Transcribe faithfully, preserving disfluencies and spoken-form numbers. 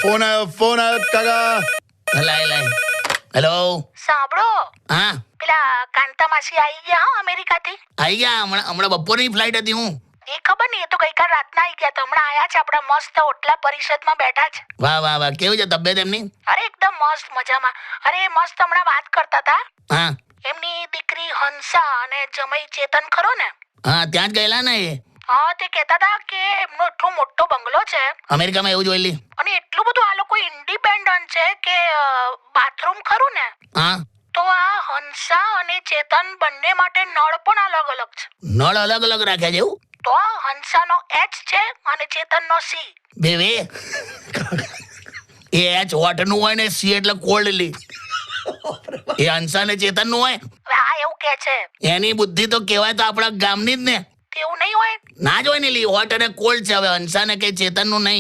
Phone આવ્યો phone આવ્યો કાકા. લાય લાય. હેલો. સાંભળો, હા પેલા કાંતા માસી આવી ગયા હો અમેરિકાથી. આવી ગયા. હમણાં હમણાં બપોરની ફ્લાઇટ હતી. હું એ ખબર નહીં, એ તો ગઈકાલ રાતના આવી ગયા. તો હમણાં આયા છે, આપણા મસ્ત ઓટલા પરિષદમાં બેઠા છે. વાહ વાહ વાહ. કેવું છે તબિયત એમની? અરે એકદમ મસ્ત મજામાં. અરે મસ્ત હમણાં વાત કરતા હતા. હા એમની દીકરી હંસા અને જમાઈ ચેતન ખરો ને, હા ત્યાં જ ગયેલા ને એ હા તે કહેતા હતા કે એમનો એટલો મોટો બંગલો છે અમેરિકામાં. એવું જોયેલી. અને એટલું બધું આ લોકો ઇન્ડિપેન્ડન્ટ છે કે બાથરૂમ ખરું ને, હા તો આ હંસા અને ચેતન બંને માટે નળ પણ અલગ અલગ છે. નળ અલગ અલગ રાખ્યા છે એવું? તો હંસાનો એચ છે અને ચેતનનો સી. બે બે એ એચ હોટ નું હોય ને સી એટલે કોલ્ડલી. એ હંસા ને ચેતન નું હોય. હવે આ એવું કે છે, એની બુદ્ધિ તો કહેવાય તો આપણા ગામની જ ને. તેવું નહીં હોય. ના જ હોય ને લી. હોટ અને કોલ્ડ છે. હવે હંસા ને કઈ ચેતન નું નહીં.